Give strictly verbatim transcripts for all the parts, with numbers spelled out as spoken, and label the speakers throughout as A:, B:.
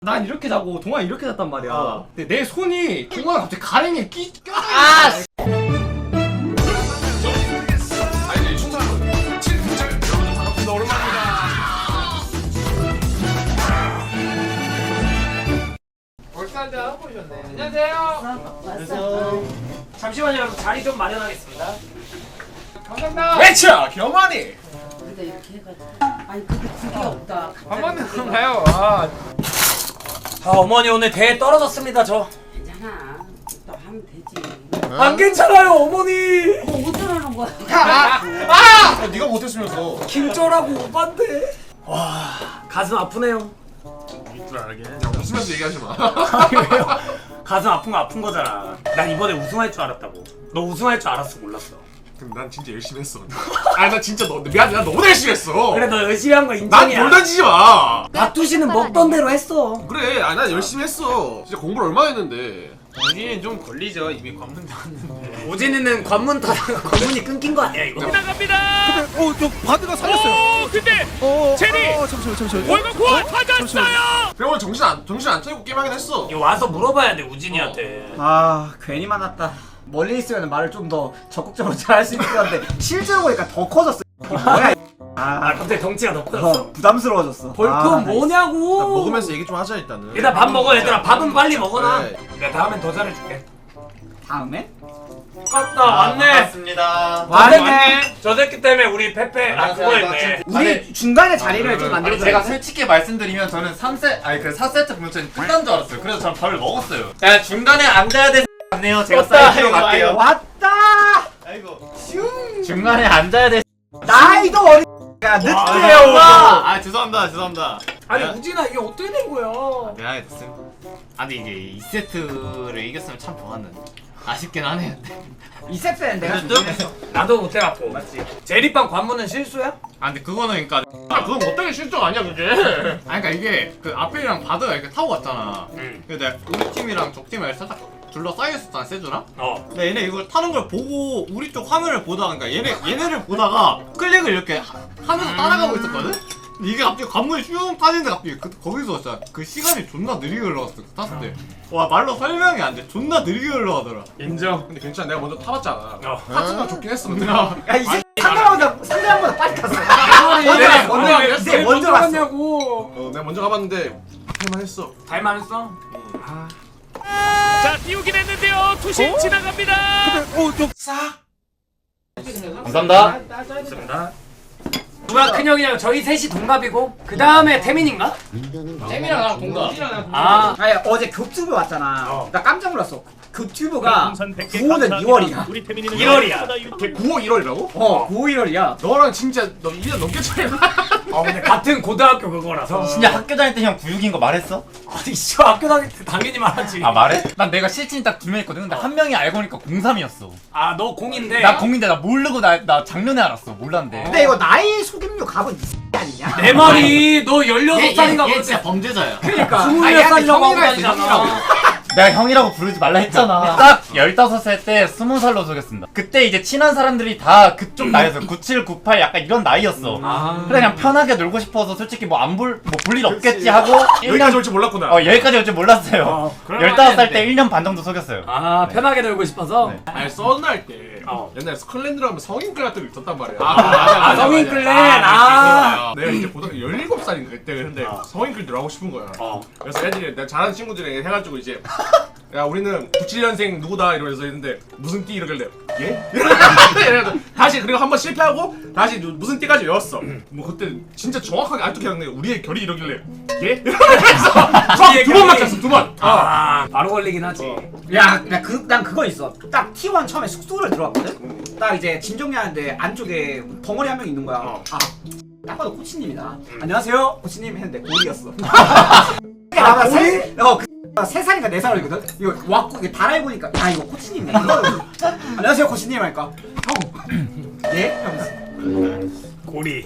A: 난 이렇게 자고 동아 이렇게 잤단 말이야.
B: 어.
A: 근데 내 손이 동아가 갑자기 가랭이에 끼 껴.
B: 아!
C: 아니 충성 친구들 여러분 반갑습니다. 오랜만입니다.
B: 벌써 한잔 하고 오셨네. 안녕하세요.
D: 왔어.
B: 잠시만요, 여러분. 자리 좀 마련하겠습니다. 감사합니다.
C: 외쳐 겸하니.
D: 근데 이렇게 해가지고. 아니 그게 그게 없다.
B: 밥 먹는 건가요? 아. 아 어머니 오늘 대회 떨어졌습니다 저.
D: 괜찮아. 또 하면 되지.
B: 안 괜찮아요 어머니.
D: 뭐 어쩌라는 거야?
C: 아! 아! 네가 못했으면서.
B: 김조라고 오반데. 와 가슴 아프네요.
C: 줄 알게. 야 웃으면서 얘기하지 마.
B: 아니 왜요? 가슴 아픈 거 아픈 거잖아. 난 이번에 우승할 줄 알았다고. 너 우승할 줄 알았어 몰랐어?
C: 근데 난 진짜 열심히 했어. 아니 나 진짜 너 미안 난 너무 열심히 했어.
B: 그래 너 열심히 한 거
C: 난
B: 인정이야.
C: 돌 던지지 마.
B: 박두씨는 먹던 대로 했어.
C: 그래. 아니 난 열심히 했어. 진짜 공부를 얼마나 했는데.
E: 우진이는 좀 걸리죠. 이미 관문 닫았는데.
B: 오진이는 관문 닫아 관문이 끊긴 거 아니야 이거?
F: 지나갑니다.
G: 어, 저 바드가 살렸어요.
F: 오, 근데
G: 어,
F: 제리!
G: 어, 잠시만, 잠시만.
F: 월급 구원 받았어요.
C: 그래 오늘 정신 안 정신 안 차리고 게임하긴 했어.
B: 이거 와서 물어봐야 돼 우진이한테.
A: 아 괜히 만났다. 멀리 있으면 말을 좀 더 적극적으로 잘 할 수 있을 건데 실제로 보니까 더 커졌어. 이게 뭐야?
B: 아
A: 아,
B: 갑자기 덩치가 더 커졌어?
A: 어, 부담스러워졌어.
B: 벌금
A: 아,
B: 뭐냐고.
C: 일단 먹으면서 얘기 좀 하자 일단은.
B: 일단 밥 먹어 얘들아. 밥은 빨리 먹어놔.
C: 네.
B: 내가 다음엔 더 잘해줄게.
A: 다음에?
B: 맞다 왔네.
E: 반갑습니다.
A: 왔네.
B: 저 새끼 때문에 우리 페페 아 그거 했네.
A: 우리 중간에 자리를 좀 만들어.
E: 아니 제가 솔직히 말씀드리면 저는 삼 세트 아니 그 사 세트 보면 저는 끝난 줄 알았어요. 그래서 저는 밥을 먹었어요. 야 중간에 앉아야 돼. 같네요. 제가 사이드로 갈게요.
A: 왔다.
E: 아이고. 중간에 앉아야 돼.
A: 나이도 어리. 야 늦게요.
E: 아 죄송합니다. 죄송합니다.
B: 아니
E: 내가-
B: 우진아 이게 어떻게 된 거야?
E: 미안해 됐습니다. 아 근데 이게 이 세트를 이겼으면 참 좋았는데 아쉽긴 하네요.
A: 이 세트는 내가
E: 그래도?
A: 준비했어.
B: 나도 못해갖고. 맞지. 제리빵 관문은 실수야?
E: 아 근데 그거는 그러니까
C: 아 그건 어떻게 실적 아니야 그게.
E: 아니 그러니까 이게 그 앞에랑 바드가 이렇게 타고 갔잖아.
B: 응.
E: 근데 내가 우리 팀이랑 적 팀을 살짝 둘러싸여 있었잖아 세주랑.
B: 어.
E: 근데 얘네 이걸 타는 걸 보고 우리 쪽 화면을 보다가 그러니까 얘네 얘네를 보다가 클릭을 이렇게 하, 하면서 따라가고 있었거든. 근데 이게 갑자기 관문이 슝 타는데 갑자기 그, 거기서 진짜 그 시간이 존나 느리게 흘러갔어 그 탔을 때. 와 말로 설명이 안 돼. 존나 느리게 흘러가더라.
C: 인정. 근데 괜찮아 내가 먼저 타봤잖아.
B: 어.
C: 파트가 좋긴 했어 근데.
A: 야이 새끼 상대방보다 상대방보다 빨리 갔어. 먼저
B: 네,
A: 갔어. 먼저
B: 왜
A: 갔어.
B: 제일
A: 먼저 갔어.
B: 갔냐고.
C: 어 내가 먼저 가봤는데 할만 했어.
B: 달만했어?
F: 자, 띄우긴 했는데요. 투심 지나갑니다.
G: 어, 저
E: 감사합니다.
B: 좋습니다. 누가 큰형이냐면 저희 셋이 동갑이고 그 다음에 태민인가?
E: 잼이랑 나랑 동갑.
B: 아
A: 아니 어제 교튜브 왔잖아.
B: 어.
A: 나 깜짝 놀랐어. 교튜브가
F: 풍선 백 개
A: 구호는
F: 감사합니다.
A: 이월이야.
F: 우리 태민이는
B: 일월이야.
C: 걔 구호 일월이라고?
A: 어 구호 일월이야.
C: 너랑 진짜 너 일 년 넘게 차이나.
B: 어 근데 같은 고등학교 그거라서
E: 진짜 학교 다닐 때 형 구육인 거 말했어?
B: 아니 씨 학교 다닐 때 당연히 말하지.
E: 아 말해? 난 내가 실친이 딱 두 명 있거든. 근데 한 명이 알고 보니까 공삼이었어.
B: 아 너 공인데
E: 나 공인데 나 모르고 나, 나 작년에 알았어. 몰랐는데.
A: 근데 이거 나이 속임류 갑은 이 새끼 아니냐?
B: 내 말이 너 열여섯 살인가
E: 얘
B: 그랬지.
E: 진짜 범죄자야.
A: 그러니까
B: 스물몇 살이라고 하고
A: 형이라 했어,
B: 다니잖아.
E: 내가 형이라고 부르지 말라 했잖아. 딱 열다섯 살 때 스무 살로 속였습니다. 그때 이제 친한 사람들이 다 그쪽 나이였어. 구칠, 구팔 약간 이런 나이였어.
B: 아.
E: 그래 그냥 편하게 놀고 싶어서 솔직히 뭐 안 볼 뭐 볼 일 없겠지 하고 일
C: 여기까지
E: 년
C: 올 줄 몰랐구나.
E: 어 여기까지 올 줄 몰랐어요.
B: 어, 그럴
E: 열다섯 살
B: 만했는데.
E: 때 일 년 반 정도 속였어요.
B: 아 편하게 놀고 싶어서.
E: 네.
C: 아니 썬날 때
B: 어.
C: 옛날에 스컬랜드로 하면 성인클 같은 거 있었단 말이야.
B: 아, 맞아,
C: 아,
B: 성인
C: 맞아.
B: 클랜.
C: 아,
B: 아.
C: 내가 이제 고등학교 열일곱 살인가 그때 근데
B: 어.
C: 성인클 들어가고 싶은 거야.
B: 어.
C: 그래서 애들이 내가 잘하는 친구들이 해가지고 이제 야 우리는 구십칠 년생 누구다 이러면서 했는데 무슨 띠 이러길래 예? 이래가지고 다시 그리고 한번 실패하고 다시 무슨 띠까지 외웠어. 뭐 그때 진짜 정확하게 아직도 기억나요. 우리의 결이 이러길래 예? 이러면서 정확히 두번 맞췄어 두 번.
B: 아 바로 걸리긴 하지.
A: 야, 나 그, 난 그거 있어. 딱 티 원 처음에 숙소를 들어왔거든? 딱 이제 짐 정리하는데 안쪽에 덩어리 한 명 있는 거야.
B: 어.
A: 아, 딱 봐도 코치님이다. 안녕하세요, 코치님 했는데 고리였어. 아, 고리? 어, 그, 세 살인가 네 살이거든? 이거 왔고, 이게 달아해보니까, 야, 이거 코치님이네. 이거. 안녕하세요, 코치님 하니까, 형. 예? 하면서.
B: 고리.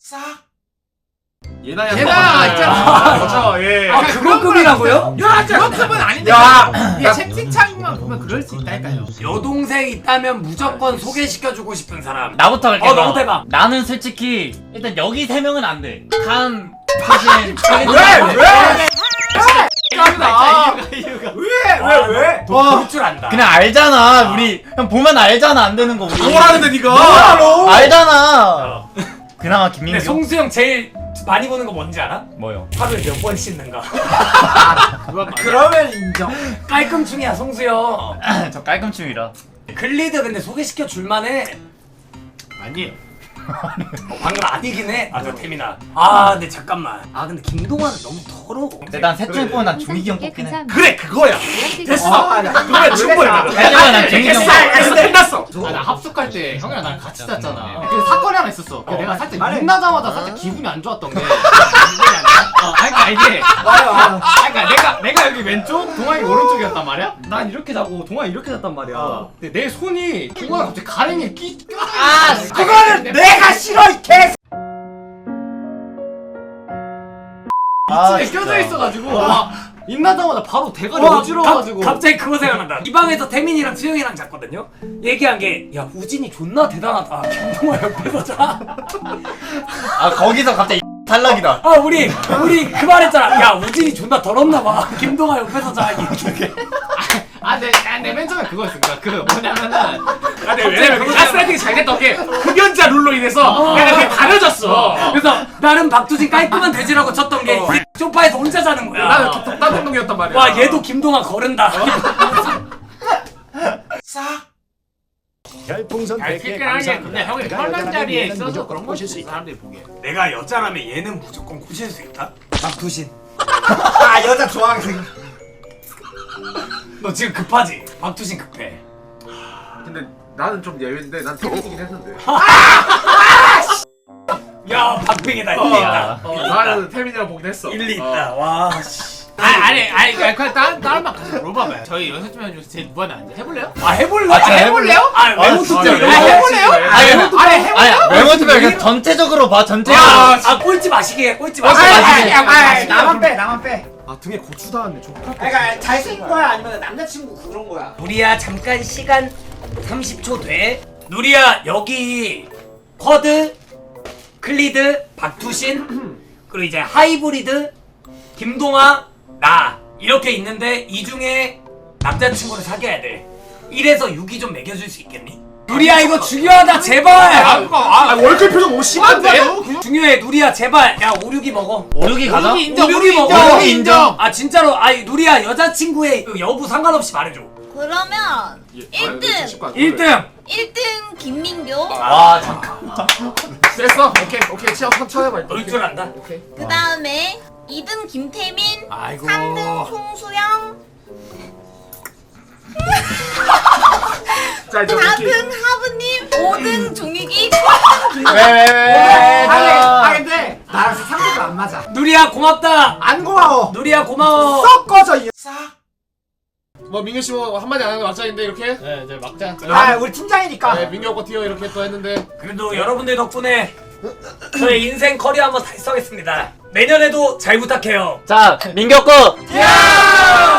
C: 예나야.
A: 예나,
C: 있잖아. 그렇죠. 예.
B: 아 그거 급이라고요?
A: 야, 그만큼은 아닌데.
B: 야,
A: 야, 채팅창
C: 한쪽만 보면 그럴 수 있다니까요.
B: 여동생 있다면 무조건 소개시켜주고 싶은 사람.
H: 나부터 할게.
B: 어,
H: 그럼.
B: 너부터 해봐.
H: 나는 솔직히 일단 여기 세 명은 안 돼. 간, 사진,
A: 왜? 왜?
C: 감사합니다.
A: 왜? 왜? 왜?
B: 볼줄 안다.
H: 그냥 알잖아. 우리 그냥 보면 알잖아. 안 되는 거 우리.
C: 뭐라는데 니가?
A: 뭐하러?
H: 알잖아. 그나마
B: 근데
H: 김민규.
B: 송수영 제일 많이 보는 거 뭔지 알아?
H: 뭐요?
B: 하루에 몇 번 씻는가.
A: 그러면 인정.
B: 깔끔충이야 송수영.
H: 저 깔끔충이라.
B: 글리드 근데 소개시켜 줄만해.
C: 아니에요.
B: 어, 방금 아니긴 해. 아 저 태민아. 아 근데 잠깐만. 아 근데 김동완은 너무 더러워.
H: 근데 난 셋 중에 뽑으면 난 종익이 형 뽑긴 해.
B: 그래 그거야. 됐어.
A: 아, 나-
B: 그거야 충분해.
H: 왜냐면 난 종익이 형.
B: 됐어. 됐어. 끝났어.
E: 아, 나 합숙할 때 형이랑 나랑 같이 잤잖아. 그 사건이 하나 있었어. 그 내가 살짝
A: 말해.
E: 만나자마자 살짝 기분이 안 좋았던 게. 어, 아니, 그러니까 이게.
A: 와요, 와요.
E: 아, 그러니까 내가 내가 여기 왼쪽, 동아이 오른쪽이었단 말이야. 난 이렇게 자고 동아이 이렇게 잤단 말이야. 근데 내 손이 동아가 갑자기 가랭이에 끼.
H: 아,
A: 그거는 내가 싫어 이 개.
H: 아,
E: 이쪽에 껴져 있어가지고 와 입나자마자 바로 대가리
B: 와,
E: 어지러워가지고.
B: 갑- 갑자기 그거 생각난다. 이 방에서 태민이랑 수영이랑 잤거든요. 얘기한 게 야 우진이 존나 대단하다. 김동완 옆에서 자.
H: 아 거기서 갑자기 탈락이다.
B: 아 우리 우리 그 말했잖아. 야 우진이 존나 더럽나 봐. 김동완 옆에서 자. 이렇게.
E: 아, 내, 아, 내맨 처음에 그거였어. 그러니까 그 뭐냐면은.
C: 아, 근데 왜냐면 그 가스라이팅이 잘 됐던 게 흡연자 룰로 인해서 내가 그게 가려졌어.
B: 그래서 나름 박두진 깔끔한 돼지라고 쳤던 게 이 소파에서 혼자 자는 거야.
C: 나는 독단 행동이었단 말이야.
B: 와 얘도 김동완 거른다.
F: 별풍선 백 개
C: 아, 근데 형이 편한 자리에 있어서
F: 무조건
C: 그런
F: 꼬실
C: 거지
F: 수 있다.
C: 사람들이 보기에.
B: 내가 여자라면 얘는 무조건 꼬실 수 있다. 박두신.
A: 아 여자 좋아하는 생.
B: 너 지금 급하지? 박두신 급해.
C: 근데 나는 좀 예외인데 난 태민이긴 했는데.
B: 야 박빙이다. 일리 있다.
C: 어, 나는 태민이랑 보긴 했어.
B: 일리 있다. 와 씨.
C: 아니 아니 아니 아니 그냥 다른 다른 막 가서 물어봐봐요. 저희 연습팀 중에서 제일 무한한데 해볼래요?
B: 아 해볼래?
H: 아, 진짜
B: 해볼래요? 아 외모 투표.
C: 진짜
B: 아, 해볼래요?
C: 해볼래요?
B: 아 외모 투표.
H: 아니 외모 투표 그냥 전체적으로 봐. 전체적으로.
B: 아, 아 꼴찌 마시게 꼴찌
A: 아,
B: 마시게.
H: 마시게.
A: 아, 아, 나만 빼, 나만 빼.
C: 아 등에 고추 닿았네. 족같.
A: 그러니까 잘생긴 거야 아니면 남자친구 그런 거야.
B: 누리야 잠깐 시간 삼십 초 돼. 누리야 여기 쿼드, 클리드, 박두신 그리고 이제 하이브리드, 김동아, 나 이렇게 있는데 이 중에 남자친구를 사귀어야 돼. 일에서 육이 좀 매겨줄 수 있겠니? 누리야 이거 중요하다 제발.
C: 아 월클 표정 너무 심한데?
B: 중요해 누리야 제발. 야 오륙이 먹어.
H: 오륙이 가자.
B: 오륙이 먹어.
H: 오륙이 인정.
B: 아 진짜로 아니 누리야 여자친구의 그 여부 상관없이 말해줘.
I: 그러면 일 등
B: 일 등.
I: 일 등 김민교,
H: 와 잠깐.
C: 됐어. 오케이 오케이 치아 천천히 해봐.
B: 너일 줄 안다.
C: 오케이.
I: 그 다음에 이 등 김태민,
B: 아이고.
I: 삼 등 송수영,
C: 자 이제
I: 사
C: 오케이.
I: 등 하부님, 오 등 종익이.
H: 왜왜 왜?
A: 아, 아 근데 나랑 상대가 안 맞아.
B: 누리야 고맙다.
A: 안 고마워.
B: 누리야 고마워.
A: 썩 꺼져 이.
C: 뭐 민규 씨뭐 한마디 안 하는 거 막장인데 이렇게.
E: 네, 이제 막자.
A: 아 우리 팀장이니까.
C: 네 민규 오빠 뛰어 이렇게 또 했는데.
B: 그래도 여러분들 덕분에 저의 인생 커리어 한번 달성했습니다. 내년에도 잘 부탁해요.
H: 자 민규 거.
B: 야!